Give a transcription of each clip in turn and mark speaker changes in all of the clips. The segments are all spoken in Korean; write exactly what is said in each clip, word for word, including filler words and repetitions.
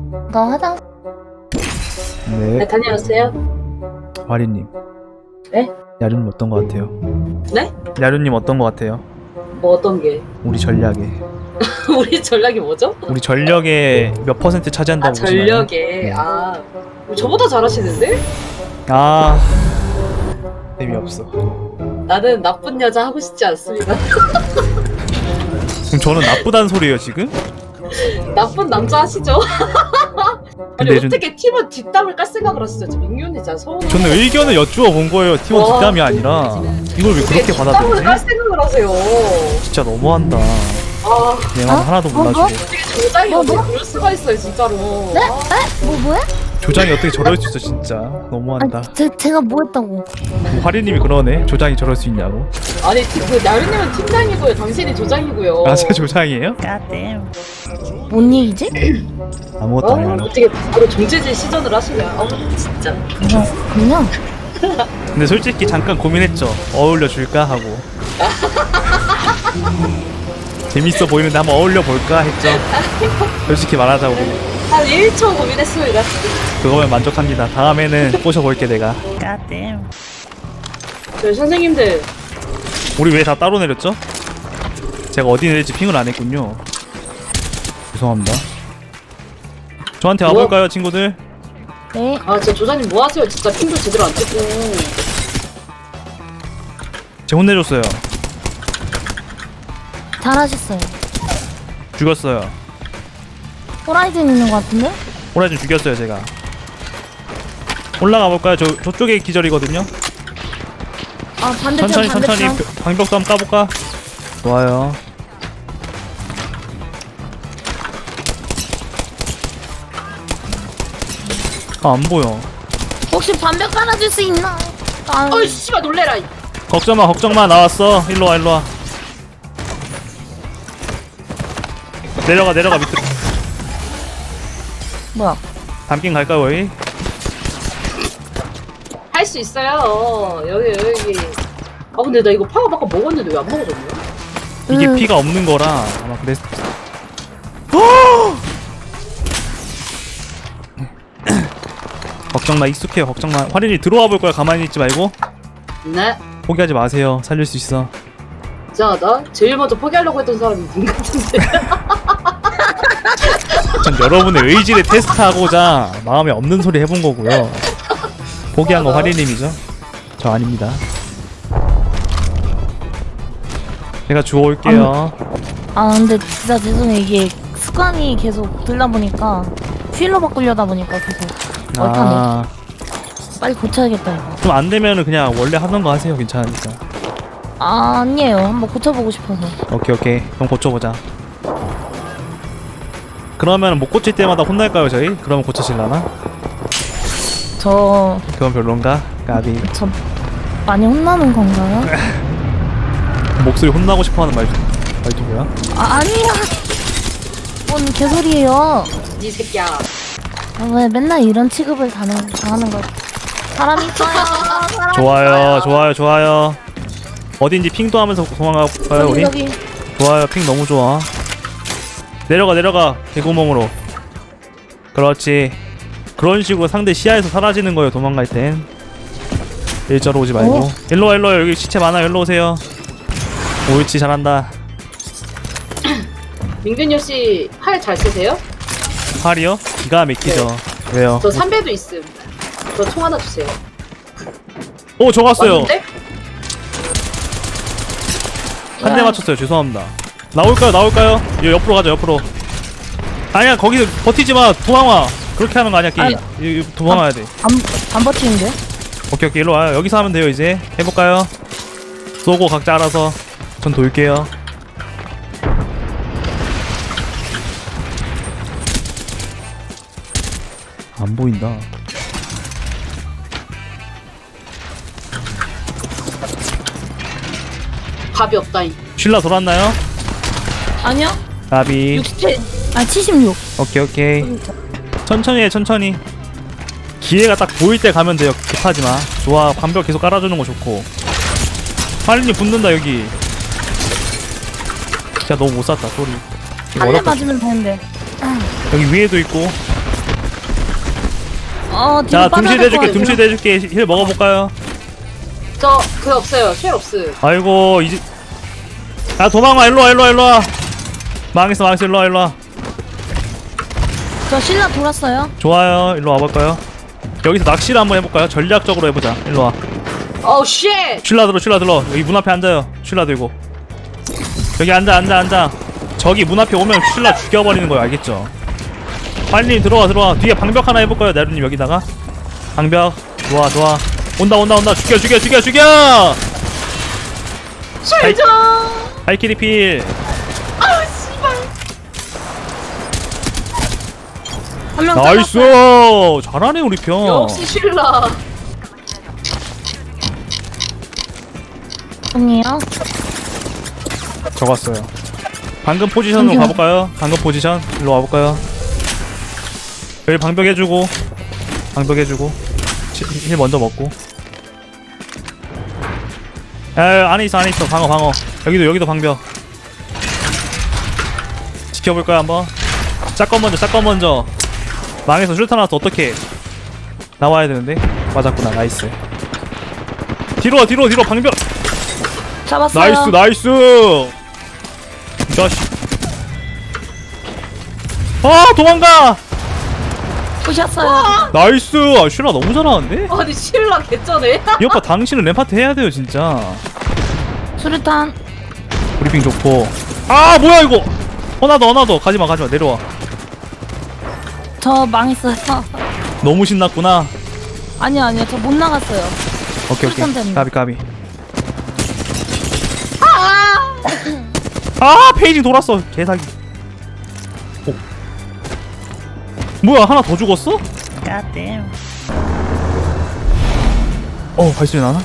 Speaker 1: 나 화장.
Speaker 2: 네.
Speaker 3: 네, 다녀왔어요?
Speaker 2: 화리님.
Speaker 3: 네?
Speaker 2: 야륜님 어떤 것 같아요?
Speaker 3: 네?
Speaker 2: 야륜님 어떤 것 같아요?
Speaker 3: 뭐 어떤 게?
Speaker 2: 우리 전략에.
Speaker 3: 우리 전략이 뭐죠?
Speaker 2: 우리 전력의 몇 퍼센트 차지한다고
Speaker 3: 아,
Speaker 2: 보시나요?
Speaker 3: 전력에.
Speaker 2: 네.
Speaker 3: 아, 저보다 잘하시는데?
Speaker 2: 아 재미없어.
Speaker 3: 나는 나쁜 여자 하고 싶지 않습니다.
Speaker 2: 그럼 저는 나쁘다는 소리예요 지금?
Speaker 3: 나쁜 남자 하시죠? 아니
Speaker 2: 근데 좀-
Speaker 3: 어떻게 팀원 뒷담을 깔 생각을 하시죠? 저 민규언니 진짜 서운.
Speaker 2: 저는 의견을 여쭈어 본 거예요. 팀원
Speaker 3: 와.
Speaker 2: 뒷담이 아니라 이걸 왜 그렇게
Speaker 3: 뒷담을 깔
Speaker 2: 받아들이지?
Speaker 3: 생각을 하세요.
Speaker 2: 진짜 너무한다.
Speaker 3: 아,
Speaker 2: 내 말
Speaker 1: 어?
Speaker 2: 하나도
Speaker 1: 어,
Speaker 2: 몰라주고.
Speaker 1: 뭐?
Speaker 3: 어떻게 조장이
Speaker 1: 뭐,
Speaker 3: 어떻게
Speaker 1: 뭐?
Speaker 3: 그럴 수가 있어요, 진짜로.
Speaker 1: 네?
Speaker 3: 아,
Speaker 1: 에? 뭐 뭐야?
Speaker 2: 조장이 어떻게 저럴 수 있어 진짜. 너무한다.
Speaker 1: 아니, 제, 제가 뭐 했다고?
Speaker 2: 뭐 화리님이 그러네. 조장이 저럴 수 있냐고.
Speaker 3: 아니 그 나른님은 팀장이고요, 당신이 조장이고요.
Speaker 2: 아 제가 조장이에요?
Speaker 1: 뭔 얘기지?
Speaker 2: 아무것도
Speaker 3: 어?
Speaker 2: 아니에요.
Speaker 3: 어떻게 바로 정체질 시전을 하시냐? 어, 진짜.
Speaker 1: 그냥 그냥
Speaker 2: 근데 솔직히 잠깐 고민했죠. 어울려 줄까 하고. 재밌어 보이는데 한번 어울려 볼까 했죠. 솔직히 말하자고.
Speaker 3: 한 일 초 고민했습니다.
Speaker 2: 그거면 만족합니다. 다음에는 꼬셔볼게 내가.
Speaker 3: 저희 선생님들
Speaker 2: 우리 왜 다 따로 내렸죠? 제가 어디 내릴지 핑을 안 했군요. 죄송합니다. 저한테
Speaker 3: 뭐?
Speaker 2: 와볼까요 친구들?
Speaker 1: 네.
Speaker 3: 아 진짜 조장님 뭐 하세요? 진짜 핑도 제대로 안 찍고.
Speaker 2: 제가 혼내줬어요.
Speaker 1: 잘하셨어요.
Speaker 2: 죽였어요.
Speaker 1: 호라이즌 있는 것 같은데?
Speaker 2: 호라이즌 죽였어요 제가. 올라가 볼까요? 저 저쪽에 기절이거든요.
Speaker 1: 아 반대편
Speaker 2: 천천히
Speaker 1: 반대편.
Speaker 2: 천천히 벼- 방벽도 한번 까볼까? 좋아요. 아 안 보여.
Speaker 1: 혹시 반벽 깔아줄 수 있나? 아,
Speaker 3: 어이 씨발 놀래라. 이.
Speaker 2: 걱정마 걱정마 나왔어. 일로와 일로와. 내려가 내려가 밑으로.
Speaker 1: 뭐야?
Speaker 2: 담긴 갈까요 여기?
Speaker 3: 할 수 있어요. 여기 여기. 아 근데 나 이거 파워 바꿔 먹었는데 왜 안 먹어졌냐?
Speaker 2: 이게
Speaker 1: 음.
Speaker 2: 피가 없는 거라 아마 그랬. 걱정마 익숙해요 걱정마. 화린이 들어와 볼 거야. 가만히 있지 말고.
Speaker 3: 네.
Speaker 2: 포기하지 마세요. 살릴 수 있어.
Speaker 3: 이상하다. 제일 먼저 포기하려고 했던 사람이 님 같은데.
Speaker 2: 전 여러분의 의지를 테스트하고자 마음에 없는 소리 해본 거고요. 포기한 건 화리님이죠. 저 아닙니다. 제가 주워올게요.
Speaker 1: 아 근데 진짜 죄송해요. 이게 습관이 계속 들다 보니까 휠로 바꾸려다 보니까 계속 얼타네.
Speaker 2: 아,
Speaker 1: 빨리 고쳐야겠다 이거.
Speaker 2: 좀 안 되면은 그냥 원래 하던 거 하세요. 괜찮으니까.
Speaker 1: 아, 아니에요. 한번 고쳐보고 싶어서.
Speaker 2: 오케이 오케이. 그럼 고쳐보자. 그러면 못 고칠 때마다 혼날까요 저희? 그러면 고쳐질라나?
Speaker 1: 저...
Speaker 2: 그건 별론가? 까비.
Speaker 1: 저... 많이 혼나는 건가요?
Speaker 2: 목소리 혼나고 싶어하는 말 말투 뭐야?
Speaker 1: 아, 아니야! 뭔 개소리예요.
Speaker 3: 이 새끼야.
Speaker 1: 아, 왜 맨날 이런 취급을 당하는, 당하는 거. 사람 있어요. 사람
Speaker 2: 좋아요
Speaker 1: 있어요.
Speaker 2: 좋아요 좋아요. 어딘지 핑도 하면서 도망가볼까요
Speaker 1: 여기,
Speaker 2: 우리?
Speaker 1: 여기.
Speaker 2: 좋아요 핑 너무 좋아. 내려가 내려가 개구멍으로. 그렇지. 그런 식으로 상대 시야에서 사라지는 거예요 도망갈 땐. 일자로 오지 말고.
Speaker 1: 어?
Speaker 2: 일로와 일로와. 여기 시체 많아. 일로 오세요. 옳지 잘한다.
Speaker 3: 민균이 씨 활 잘 쓰세요?
Speaker 2: 활이요? 기가 막히죠. 왜요?
Speaker 3: 저 삼배도 있음. 저 총 하나 주세요.
Speaker 2: 오 적었어요.
Speaker 3: 맞는데?
Speaker 2: 한 대 맞췄어요. 죄송합니다. 나올까요? 나올까요? 여 옆으로 가자. 옆으로. 아니야 거기서 버티지 마. 도망와. 그렇게 하는 거 아니야 게임. 이- 이- 도망와야 돼.
Speaker 1: 안, 안 버티는데?
Speaker 2: 오케이 오케이 일로 와요. 여기서 하면 돼요 이제. 해볼까요? 쏘고 각자 알아서. 전 돌게요. 안 보인다.
Speaker 3: 밥이 없다잉.
Speaker 2: 쉴라 돌았나요?
Speaker 1: 아니요.
Speaker 2: 나비.
Speaker 1: 육십칠. 아, 칠십육.
Speaker 2: 오케이 오케이. 천천히 해 천천히. 기회가 딱 보일 때 가면 돼요. 급하지 마. 좋아. 반벽 계속 깔아주는 거 좋고. 화린이 붙는다 여기. 진짜 너무 못 쐈다 소리. 이거
Speaker 1: 한 대
Speaker 2: 어렵다.
Speaker 1: 맞으면 되는데.
Speaker 2: 여기 위에도 있고.
Speaker 1: 어 뒤로
Speaker 2: 자
Speaker 1: 빠져야
Speaker 2: 둠실
Speaker 1: 될것
Speaker 2: 대줄게
Speaker 1: 같아요.
Speaker 2: 둠실 대줄게 힐 먹어볼까요?
Speaker 3: 저 그 없어요. 쉘 없음.
Speaker 2: 아이고 이제 야 도망가 일로와 일로와 일로와 망했어 망했어 일로와 일로와
Speaker 1: 저 신라 돌았어요.
Speaker 2: 좋아요 일로 와볼까요? 여기서 낚시를 한번 해볼까요? 전략적으로 해보자 일로와
Speaker 3: 어우 쉣.
Speaker 2: 쉴라 들어 쉴라 들어 여기 문 앞에 앉아요 쉴라 들고 여기 앉아 앉아 앉아 저기 문 앞에 오면 쉴라 죽여버리는 거예요 알겠죠? 빨리 들어와 들어와 뒤에 방벽 하나 해볼까요 나루님 여기다가 방벽 좋아 좋아 온다 온다 온다 죽여 죽여 죽여 죽여
Speaker 3: 쉘 좀.
Speaker 2: 발키리 필
Speaker 3: 아우 씨발.
Speaker 1: 한명
Speaker 2: 나이스 잘하네 우리 편
Speaker 3: 역시 쉴라.
Speaker 1: 아니에요.
Speaker 2: 적었어요 방금 포지션으로
Speaker 1: 잠시만.
Speaker 2: 가볼까요? 방금 포지션 일로 와볼까요? 여기 방벽 해주고 방벽 해주고 치- 힐 먼저 먹고 야 안에 있어 안에 있어 방어 방어 여기도 여기도 방벽 지켜볼까요 한번? 짝건 먼저 짝건 먼저 망해서 슈타 나와서 어떡해 나와야 되는데 맞았구나 나이스 뒤로 와 뒤로 와, 뒤로 와, 방벽
Speaker 1: 잡았어요.
Speaker 2: 나이스 나이스 자식 아 도망가
Speaker 1: 부셨어요.
Speaker 2: 나이스 아 슈라 너무 잘하는데?
Speaker 3: 아니 쉴라 개쩌네.
Speaker 2: 이 오빠 당신은 램파트 해야 돼요 진짜
Speaker 1: 수류탄.
Speaker 2: 브리핑 좋고 아 뭐야 이거 어나더 어나더 가지마 가지마 내려와
Speaker 1: 저 망했어요.
Speaker 2: 너무 신났구나
Speaker 1: 아니요 아니요 저 못 나갔어요.
Speaker 2: 오케이
Speaker 1: 수류탄
Speaker 2: 오케이
Speaker 1: 때문에.
Speaker 2: 가비 가비 아 페이징 돌았어 개사기 오. 뭐야 하나 더 죽었어?
Speaker 1: God
Speaker 2: 어 발소리 나나?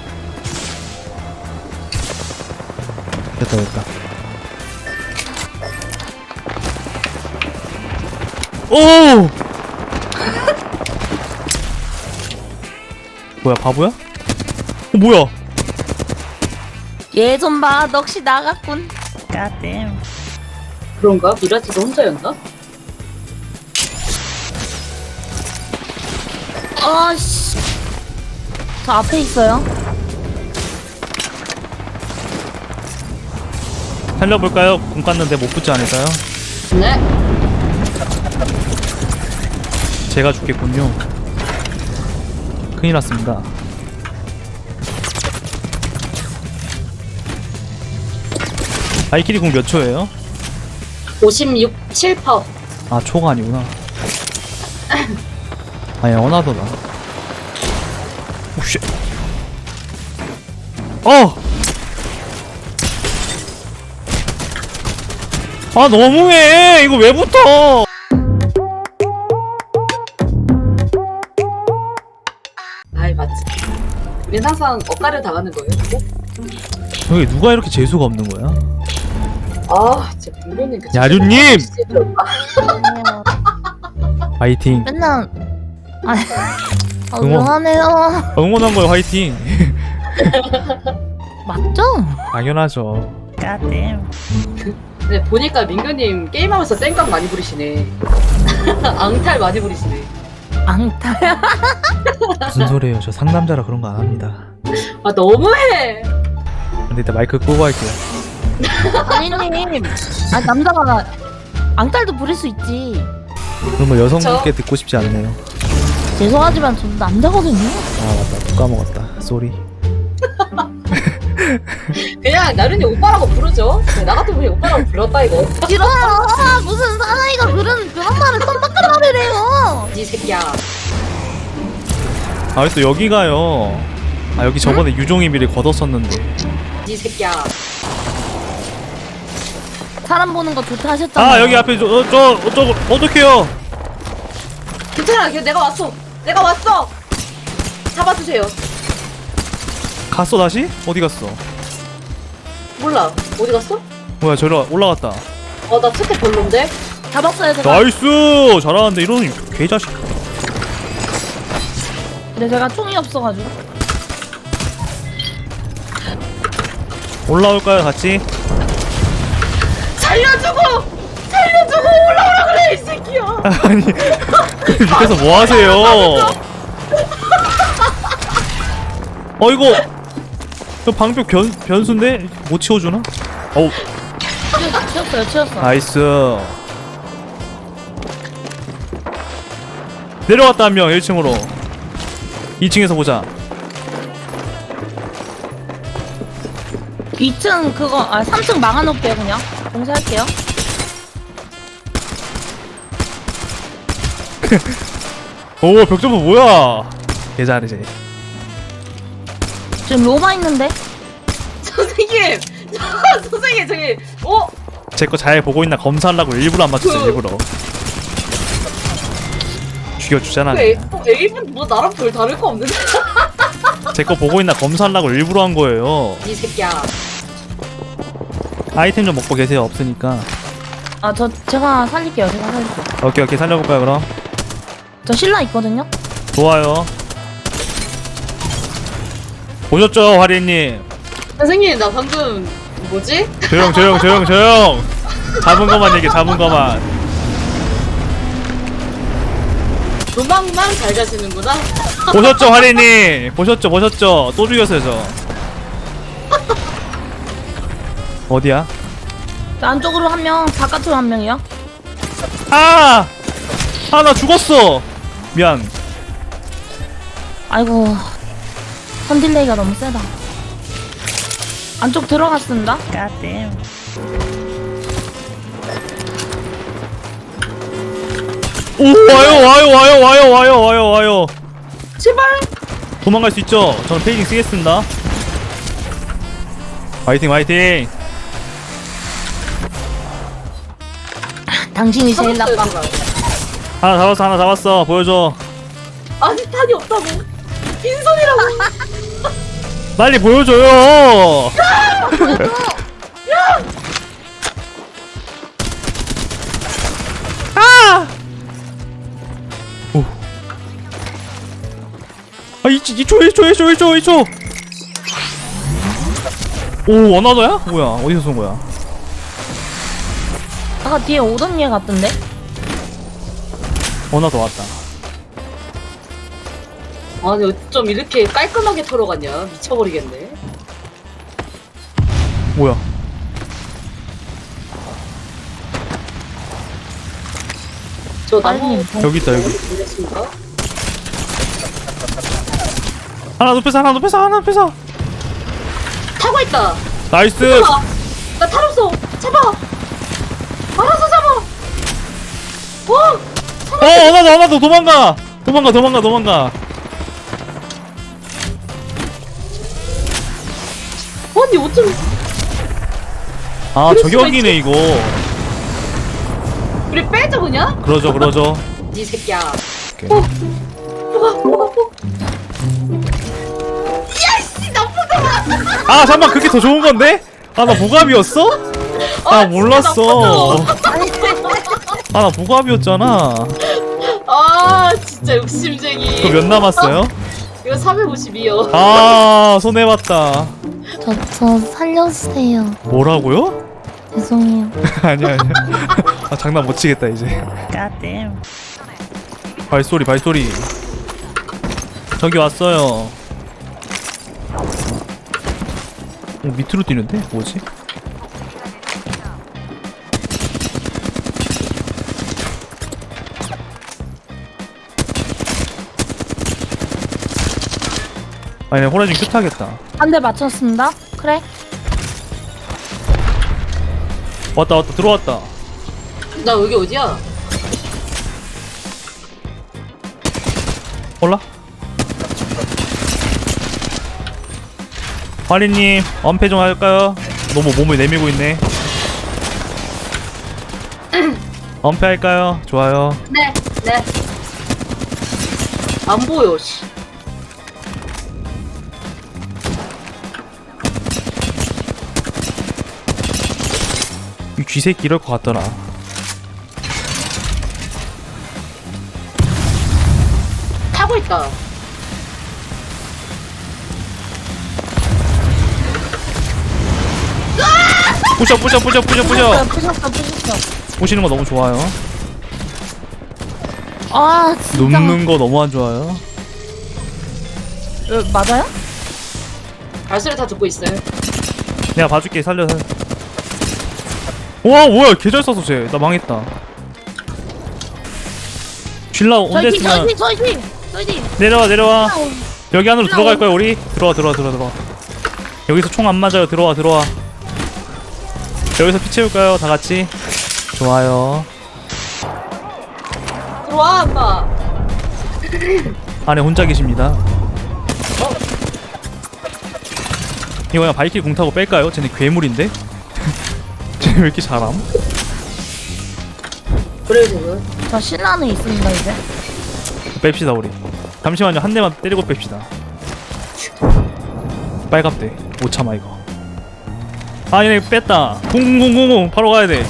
Speaker 2: 됐다 됐다 오 뭐야 바보야? 어 뭐야
Speaker 1: 얘 좀 봐. 넋이 나갔군. God
Speaker 3: 그런가? 미라지가 혼자였나?
Speaker 1: 아씨. 저 앞에 있어요.
Speaker 2: 살려볼까요? 공 깠는데 못 붙지 않을까요?
Speaker 3: 네.
Speaker 2: 제가 죽겠군요 큰일 났습니다 발키리 공 몇 초예요?
Speaker 3: 오십육, 칠 퍼.
Speaker 2: 아 초가 아니구나 아니 어나더다 오쉣 어! 아 너무해 이거 왜 붙어
Speaker 3: 아이 맞지. 우린 항상 엇가를 당하는 거예요. 꼭?
Speaker 2: 여기 누가 이렇게 재수가 없는 거야?
Speaker 3: 아 진짜 분명히 그
Speaker 2: 야류님!
Speaker 3: 진짜
Speaker 1: 아니요.
Speaker 2: 화이팅
Speaker 1: 맨날 아, 아
Speaker 2: 응원.
Speaker 1: 응원하네요.
Speaker 2: 응원한 거예요 화이팅
Speaker 1: 맞죠?
Speaker 2: 당연하죠
Speaker 1: God
Speaker 3: 근데 보니까 민규님 게임하면서 땡깡 많이 부리시네. 앙탈 많이 부리시네.
Speaker 1: 앙탈.
Speaker 2: 무슨 소리예요 저 상남자라 그런 거 안 합니다
Speaker 3: 아 너무해.
Speaker 2: 근데 일단 마이크 끄고 할게요
Speaker 1: 아니님. 아 남자가 앙탈도 부릴 수 있지.
Speaker 2: 그런 거 여성분께 듣고 싶지 않네요
Speaker 1: 죄송하지만 저도 남자거든요.
Speaker 2: 아 맞다 또 까먹었다 쏘리
Speaker 3: 그냥 나른이 오빠라고 부르죠. 나 같은 분이 오빠라고 불렀다 이거.
Speaker 1: 싫어요. 아, 무슨 사나이가 그런 그런 말을 썸바깥 말을 해요.
Speaker 3: 이 새끼야.
Speaker 2: 아 또 여기 가요 아 여기 저번에 유종이 미리 걷었었는데
Speaker 3: 이 새끼야.
Speaker 1: 사람 보는 거 좋다 하셨잖아요.
Speaker 2: 아 여기 앞에 저, 저, 저, 저 어떡해요
Speaker 3: 괜찮아. 걔 내가 왔어. 내가 왔어. 잡아주세요.
Speaker 2: 갔어 다시? 어디 갔어?
Speaker 3: 몰라. 어디 갔어?
Speaker 2: 뭐야 저리 올라갔다
Speaker 3: 어 나 특혜 별론데.
Speaker 1: 잡았어요 제가.
Speaker 2: 나이스 잘하는데 이러는 개자식
Speaker 1: 근데 제가 총이 없어가지고.
Speaker 2: 올라올까요 같이?
Speaker 3: 살려주고 살려주고 올라오라 그래 이 새끼야.
Speaker 2: 아니 밑에서 뭐 하세요? 어 이거 저 방벽 변 변수인데 못 치워주나? 어우
Speaker 1: 치웠- 치웠어요 치웠어.
Speaker 2: 나이스. 내려왔다 한 명 일 층으로. 이 층에서 보자.
Speaker 1: 이 층 그거 아 삼 층 막아놓을게요 그냥. 공사할게요.
Speaker 2: 오 벽점프 뭐야? 개 잘해.
Speaker 1: 지금 로마 있는데?
Speaker 3: 선생님! 선생님, 저기, 어?
Speaker 2: 제 거 잘 보고 있나 검사하려고 일부러 안 맞췄어
Speaker 3: 그-
Speaker 2: 일부러. 죽여주잖아.
Speaker 3: 그 에이, 어, 에이는 뭐 나랑 별 다를 거 없는데?
Speaker 2: 제 거 보고 있나 검사하려고 일부러 한 거예요.
Speaker 3: 이 새끼야.
Speaker 2: 아이템 좀 먹고 계세요. 없으니까.
Speaker 1: 아 저 제가 살릴게요 제가 살릴게요.
Speaker 2: 오케이 오케이 살려볼까요 그럼?
Speaker 1: 저 신라 있거든요?
Speaker 2: 좋아요. 보셨죠 화리님?
Speaker 3: 선생님, 나 방금, 뭐지?
Speaker 2: 조용 조용 조용 조용. 잡은 것만 얘기 잡은 것만.
Speaker 3: 도망만 잘 가시는구나?
Speaker 2: 보셨죠 화리님? 보셨죠 보셨죠? 또 죽였어요 저. 어디야?
Speaker 1: 저 안쪽으로 한 명, 바깥으로 한 명이요.
Speaker 2: 아! 아 나 죽었어. 미안.
Speaker 1: 아이고 선딜레이가 너무 세다. 안쪽 들어갔습니다.
Speaker 2: 오 와요 와요 와요 와요 와요 와요 와요.
Speaker 3: 제발!
Speaker 2: 도망갈 수 있죠? 저는 페이징 쓰겠습니다. 화이팅 화이팅.
Speaker 1: 당신이 제일 나빠.
Speaker 2: 하나 잡았어 하나 잡았어. 보여줘.
Speaker 3: 아니, 탄이 없다고. 빈손이라고.
Speaker 2: 빨리 보여줘요. 아! 오. 아, 이, 이 초, 일 초, 일 초, 일 초, 일 초. 오, 원하더야? 뭐야? 어디서 쏜 거야?
Speaker 1: 아까 뒤에 오던 얘 같던데?
Speaker 2: 원하더 왔다.
Speaker 3: 아니, 어쩜 이렇게 깔끔하게 털어갔냐? 미쳐버리겠네.
Speaker 2: 뭐야?
Speaker 3: 저 나무
Speaker 1: 아니,
Speaker 2: 여기 있다, 여기.
Speaker 3: 보냈습니까?
Speaker 2: 하나 높여서, 하나 높여서, 하나 높여서.
Speaker 3: 타고 있다.
Speaker 2: 나이스.
Speaker 3: 잡아. 나 탈없어. 잡아. 알아서 잡아. 와.
Speaker 2: 어, 원하더, 원하더, 도망가. 도망가, 도망가, 도망가.
Speaker 3: 언니 어쩜
Speaker 2: 아,
Speaker 3: 그럴 수가
Speaker 2: 저격이네, 이거.
Speaker 3: 우리 빼자 그냥?
Speaker 2: 그러죠, 그러죠.
Speaker 3: 이 새끼야.
Speaker 2: 오케이.
Speaker 3: 어. 뭐가 뭐가 뭐? 야씨 나쁜 놈아.
Speaker 2: 아, 잠깐만, 그게 더 좋은 건데? 아, 나 보갑이었어? 아, 몰랐어. 아, 나 보갑이었잖아.
Speaker 3: 아 진짜 욕심쟁이.
Speaker 2: 그거 몇 남았어요?
Speaker 3: 이거 삼백오십이요.
Speaker 2: 아, 손해봤다.
Speaker 1: 저, 저 살려주세요.
Speaker 2: 뭐라고요?
Speaker 1: 죄송해요.
Speaker 2: 아니야, 아니야. 아, 장난 못 치겠다, 이제. 발소리, 발소리. 저기 왔어요. 오, 밑으로 뛰는데? 뭐지? 아니, 호라진 큐 타겠다.
Speaker 1: 한 대 맞췄습니다. 그래?
Speaker 2: 왔다, 왔다, 들어왔다.
Speaker 3: 나 여기 어디야?
Speaker 2: 몰라? 화리님, 엄폐 좀 할까요? 너무 몸을 내밀고 있네. 엄폐 할까요? 좋아요.
Speaker 3: 네 네. 안 보여 씨.
Speaker 2: 이 쥐새끼 이럴 것 같더라.
Speaker 3: 타고 있다.
Speaker 2: 부셔, 부셔, 부셔, 부셔, 부셔.
Speaker 1: 부셨어, 부셨어.
Speaker 2: 보시는 거 너무 좋아요.
Speaker 1: 아 진짜.
Speaker 2: 눕는 거 너무 안 좋아요.
Speaker 1: 어, 맞아요?
Speaker 3: 발소리 다 듣고 있어요.
Speaker 2: 내가 봐줄게. 살려서. 와 뭐야 개잘 쏴서 쟤. 나 망했다. 쉴라
Speaker 1: 저희
Speaker 2: 언제
Speaker 1: 팀
Speaker 2: 쓰면
Speaker 1: 저희 팀 저희 팀 저희 팀.
Speaker 2: 내려와 내려와. 여기 안으로
Speaker 1: 쉴라
Speaker 2: 들어갈
Speaker 1: 온-
Speaker 2: 거야 우리. 들어와 들어와 들어와 들어와. 여기서 총 안 맞아요. 들어와 들어와. 여기서 피 채울까요 다 같이? 좋아요.
Speaker 3: 들어와 엄마.
Speaker 2: 안에 혼자 계십니다. 이거 그냥 발길 공 타고 뺄까요? 쟤네 괴물인데? 쟤네 왜 이렇게 잘함?
Speaker 3: 그래도
Speaker 1: 저 신라는 있습니다 이제.
Speaker 2: 뺍시다 우리. 잠시만요. 한 대만 때리고 뺍시다. 빨갑대. 못 참아 이거. 아 얘네 뺐다. 공공공공 바로 가야 돼.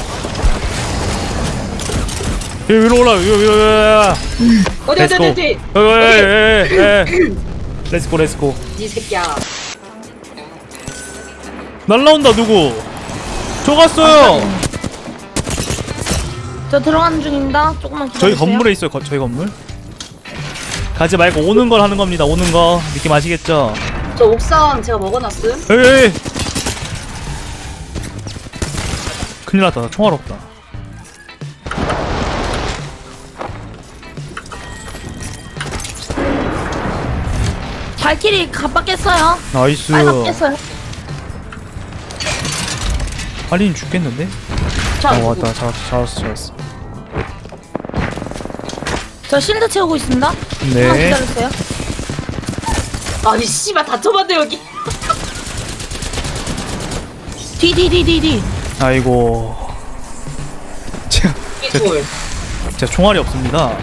Speaker 2: 여기 위로 올라. 여기 여기 여기.
Speaker 3: 어디 어디 어디 어디.
Speaker 2: 여기. 렛츠고 렛츠고.
Speaker 3: 이 새끼야.
Speaker 2: 날라온다 누구? 저 갔어요.
Speaker 1: 저 들어가는 중입니다. 조금만 기다려주세요.
Speaker 2: 저희 건물에 있어요. 거, 저희 건물. 가지 말고 오는 걸 하는 겁니다. 오는 거 느낌 아시겠죠?
Speaker 3: 저 옥상 제가 먹어놨음.
Speaker 2: 에이. 큰일 났다. 나 총알 없다.
Speaker 1: 발키리 갑박했어요.
Speaker 2: 나이스.
Speaker 1: 빨갛겠어요.
Speaker 2: 할린 죽겠는데?
Speaker 3: 자,
Speaker 2: 어 왔다. 잡았어 잡았어 잡았어.
Speaker 1: 저 실드 채우고 있습니다. 조금만
Speaker 2: 네.
Speaker 1: 기다려주세요.
Speaker 3: 아니 씨발 다쳐봤네 여기.
Speaker 1: 디디디디디.
Speaker 2: 아이고. 제가
Speaker 3: 이돌.
Speaker 2: 제가 총알이 없습니다.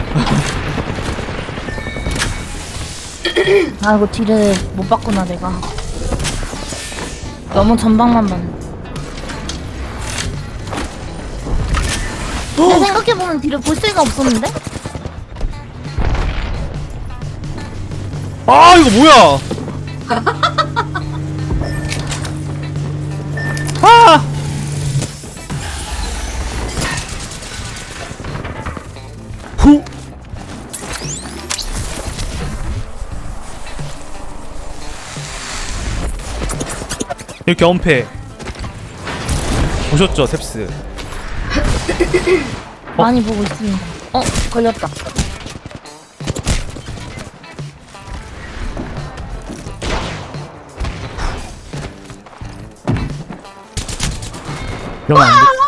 Speaker 1: 아이고 딜을 못 봤구나 내가. 너무 전방만 봤네. 근데 생각해보면 딜을 볼 새가 없었는데?
Speaker 2: 아 이거 뭐야? 아! 후. 이렇게 엄폐 보셨죠 탭스?
Speaker 1: 많이 보고 있습니다. 어 걸렸다.
Speaker 2: 이러면 안 돼.